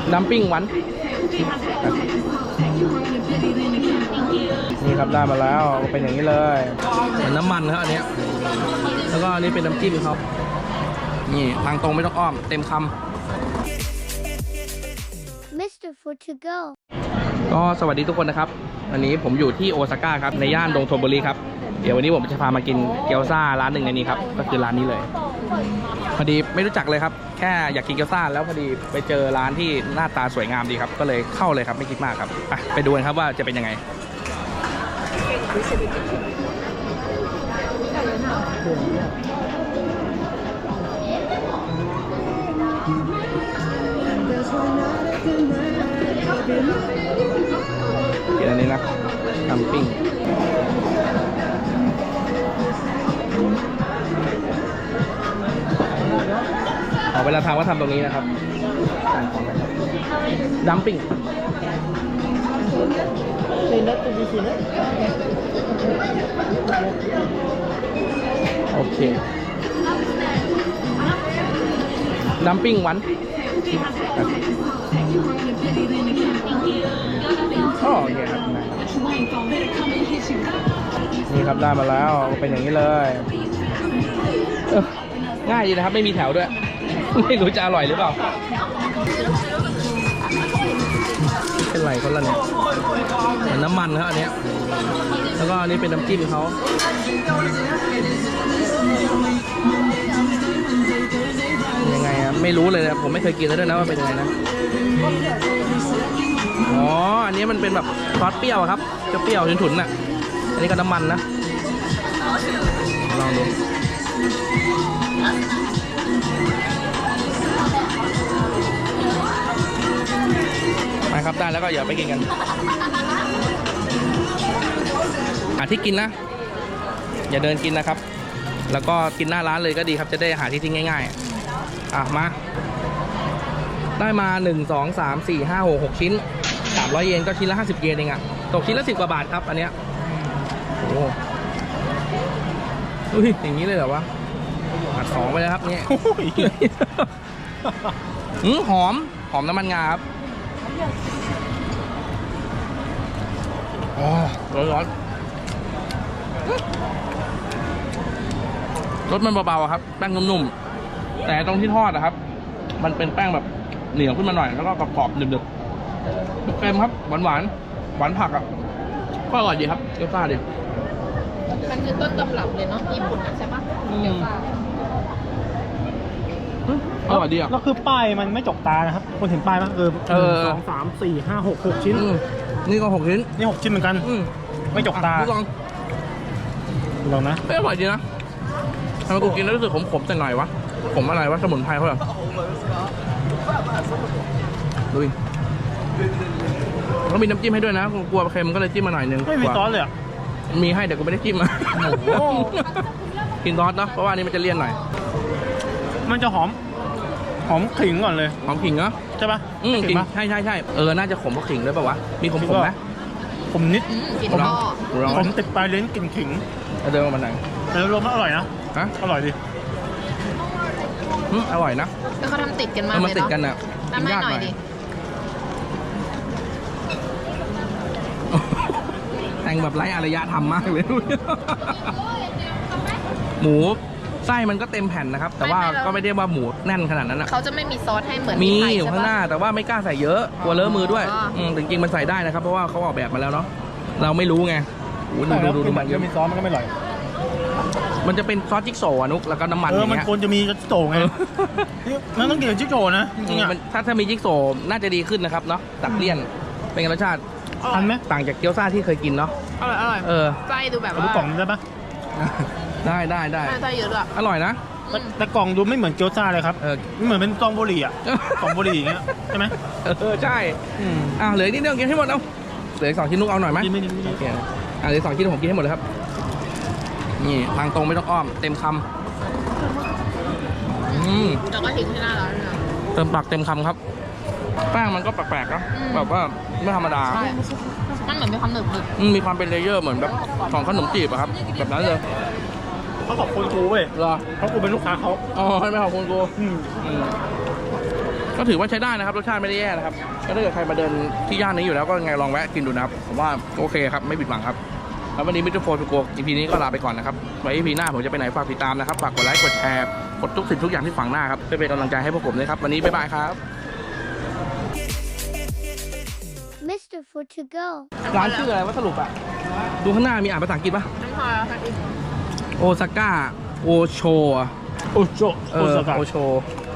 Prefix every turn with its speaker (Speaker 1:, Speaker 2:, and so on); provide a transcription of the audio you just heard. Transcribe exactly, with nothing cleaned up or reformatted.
Speaker 1: ดัมปิ้งหวานนี่ครับได้มาแล้วเป็นอย่างนี้เลยเหมือนน้ำมันครับอันนี้แล้วก็อันนี้เป็นน้ำจิ้มเขานี่ทางตรงไม่ต้องอ้อมเต็มคำ
Speaker 2: มิสเตอร์ Food to go
Speaker 1: ก็สวัสดีทุกคนนะครับวันนี้ผมอยู่ที่โอซาก้าครับในย่านดงโทโบริครับเดี๋ยววันนี้ผมจะพามากินเกี๊ยวซ่าร้านหนึ่งในนี้ครับก็คือร้านนี้เลยพอดีไม่รู้จักเลยครับแค่อยากกินเกี๊ยวซ่าแล้วพอดีไปเจอร้านที่หน้าตาสวยงามดีครับก็เลยเข้าเลยครับไม่คิดมากครับไปไปดูกันครับว่าจะเป็นยังไงกินอันนี้นะทำปิ้งเอาเวลาทำก็ทำตรงนี้นะครับดัมปิ้งโอเคดัมปิ้งหวานอ๋อโอเคครับนี่ครับได้มาแล้วเป็นอย่างนี้เลยเออง่ายดีนะครับไม่มีแถวด้วยไม่รู้จะอร่อยหรือเปล่าเป็นไรคนละเนี่ยเหมือนน้ำมันครับอันนี้แล้วก็อันนี้เป็นน้ำจิ้มเขายังไงอะไม่รู้เลยนะผมไม่เคยกินเลยด้วยนะว่าเป็นยังไงนะอ๋ออันนี้มันเป็นแบบซอสเปรี้ยวครับจะเปรี้ยวฉุนๆน่ะอันนี้ก็น้ำมันนะลองดูมาครับได้แล้วก็อย่าไปกินกันหาที่กินนะอย่าเดินกินนะครับแล้วก็กินหน้าร้านเลยก็ดีครับจะได้หาที่ทิ้งง่ายๆอ่ะมาได้มาหนึ่ง สอง สาม สี่ ห้า หก หกชิ้นสามร้อยเยนก็ชิ้นละห้าสิบเยนเองอะตกชิ้นละสิบกว่าบาทครับอันเนี้ยโอ้อุ้ยอย่างนี้เลยเหรอวะหัดสองไปเลยครับเนี่ยอืมหอมหอมน้ำมันงาครับอ๋อร้อนร้อนรสมันเบาๆครับแป้งนุ่มๆแต่ตรงที่ทอดนะครับมันเป็นแป้งแบบเหนียวขึ้นมาหน่อยแล้วก็กรอบๆหนึบๆเค็มครับหวานหวานหวานผักอ่ะก็อร่อยดีครับเกี๊ยวซ่าดิ
Speaker 3: มันคือต้นตำรับเลยเนาะญี่ปุ่นใช่ปะเกี๊ยวซ่า
Speaker 1: อร่อยดีอ่ะ
Speaker 4: แล้วคือป้ายมันไม่จกตานะครับคนเห็นป้ายมั้ยเออหนึ่งสองสามสี่ห้าหกหกชิ้น
Speaker 1: นี่ก็หกชิ้น
Speaker 4: นี่หกชิ้นเหมือนกันไม่จกตา
Speaker 1: ลอง
Speaker 4: ลองนะ
Speaker 1: ไม่อร่อยดีนะทำไมกูกินแล้วรู้สึกขมๆแต่หน่อยวะขมอะไรวะสมุนไพรเขาเหรอดูดิเขามีน้ำจิ้มให้ด้วยนะกลัวเค็มก็เลยจิ้มมาหน่อยนึง
Speaker 4: ไม่มีซอสเลยอ่ะ
Speaker 1: มีให้แต่กูไม่ได้จิ้มมากินซอสเนาะเพราะว่านี่มันจะเลี่ยนหน่อย
Speaker 4: มันจะหอมหอมขิงก่อนเลย
Speaker 1: หอมขิงเนาะ
Speaker 4: ใช่ปะ
Speaker 1: อืมขิงใช่ใช่ใช่เออน่าจะขมเพราะขิงด้วยป่าวะมีขมๆไหม
Speaker 4: ขมนิด
Speaker 3: ผม
Speaker 4: ผมติดปลายลิ้นกลิ่นขิง
Speaker 1: เดินมาหน่อย
Speaker 4: แต่รวมแล้วอร่อยนะ
Speaker 1: ฮะ
Speaker 4: อร่อยดิ
Speaker 1: อืมอร่อยนะ
Speaker 3: แล้วเขาทำติดกันมาเลย
Speaker 1: เนาะมันติดกันอ่ะ
Speaker 3: กินยากหน่อยดิ
Speaker 1: แต่งแบบไร้อารยธรรมมากเลยหมูไส้มันก็เต็มแผ่นนะครับแต่ว่าก็ไม่ได้ว่าหมูแน่นขนาดนั้นนะ
Speaker 3: เขาจะไม่มีซอสให้เหมือน
Speaker 1: มีอยู่ข้างหน้าแต่ว่าไม่กล้าใส่เยอะกลัวเลอะมือด้วยจริงๆมันใส่ได้นะครับเพราะว่าเขาออกแบบมาแล้วเนาะเราไม่รู้ไงดูดูดูดูมันเยอะ
Speaker 4: มีซอสมันก็ไม่อร่อย
Speaker 1: มันจะเป็นซอสจิ๊กโซว์นุกแล้วก็น้ำมันอย่างเงี้ย
Speaker 4: มันควรจะมีจิ๊กโซว์ไงมันต้องกินจิ๊กโซว์นะจริงๆอ่ะ
Speaker 1: ถ้าถ้ามีจิ๊กโซว์น่าจะดีขึ้นนะครับเนาะตัดเลี่ยนเป็นรสชาติ
Speaker 4: ทันไหม
Speaker 1: ต่างจากเกี๊ยวซ่าที่เคยกินเนาะ
Speaker 3: อร่อยอร่อย
Speaker 1: เออ
Speaker 3: ไส้ดูแบบว่า
Speaker 4: ดูกล่องได้ปะ
Speaker 1: ได้ได้ได้
Speaker 3: ไส้เยอะด้วย
Speaker 1: อร่อยนะ
Speaker 4: แต่กล่องดูไม่เหมือนเกี๊ยวซ่าเลยครับไม่เหมือนเป็นซองบุหรี่อ่ะซองบุหรี่อย่างเงี้ยใช่ไหม
Speaker 1: เออใช่อ่าเหลือนิดเดียวกินให้หมดเอาเหลือสองชิ้นนุกเอาหน่อยไหม
Speaker 4: ไม่ไม่ไม่
Speaker 1: โอเคอ่าเหลือสองชิ้นผมกินให้หมดเลยครับนี่ทางตรงไม่ต้องอ้อมเต็มคำอืม
Speaker 3: แล้วก็ทิ้งที่หน้าร้านเลย
Speaker 1: เติมปากเต็มคำครับแป้งมันก็แปลกๆนะแบบว่าไม่ธรรมดา
Speaker 3: ใช่มันเหมือนมีความหนึบหนึบ
Speaker 1: มีความเป็นเลเยอร์เหมือนแบบของขนมจีบอะครับแบบนั้นเลย
Speaker 4: เขาขอบคุณกูเว้ย
Speaker 1: เหรอ
Speaker 4: เพราะกูเป็นลูกค้าเขา
Speaker 1: อ๋อให้ไม่ขอบคุณกูก็ถือว่าใช้ได้นะครับรสชาติไม่ได้แย่นะครับก็ถ้าเกิดใครมาเดินที่ย่านนี้อยู่แล้วก็ไงลองแวะกินดูนะครับผมว่าโอเคครับไม่ผิดหวังครับแล้ววันนี้มิสเตอร์โฟร์ทูโก อี พี นี้ก็ลาไปก่อนนะครับไว้ อี พี หน้าผมจะไปไหนฝากติดตามนะครับฝากกดไลค์กดแชร์กดทุกสิ่งทุกอย่างที่ฝังหน้าครับเพื่อเป็นกำลังใจให้พวกผมด้วยครับวันนี้บ๊ายบายครับ
Speaker 2: มิสเตอร์ Food to go
Speaker 1: ร้านชื่ออะไรวะสรุปอะดูข้างหน้ามีอ่านภาษาอังกฤษปะ
Speaker 3: ไม่พอค่ะ
Speaker 1: โอซาก้าโอโช
Speaker 4: โอโช
Speaker 1: เอ
Speaker 4: โอ
Speaker 1: อ
Speaker 4: ซาก้า
Speaker 1: โอโช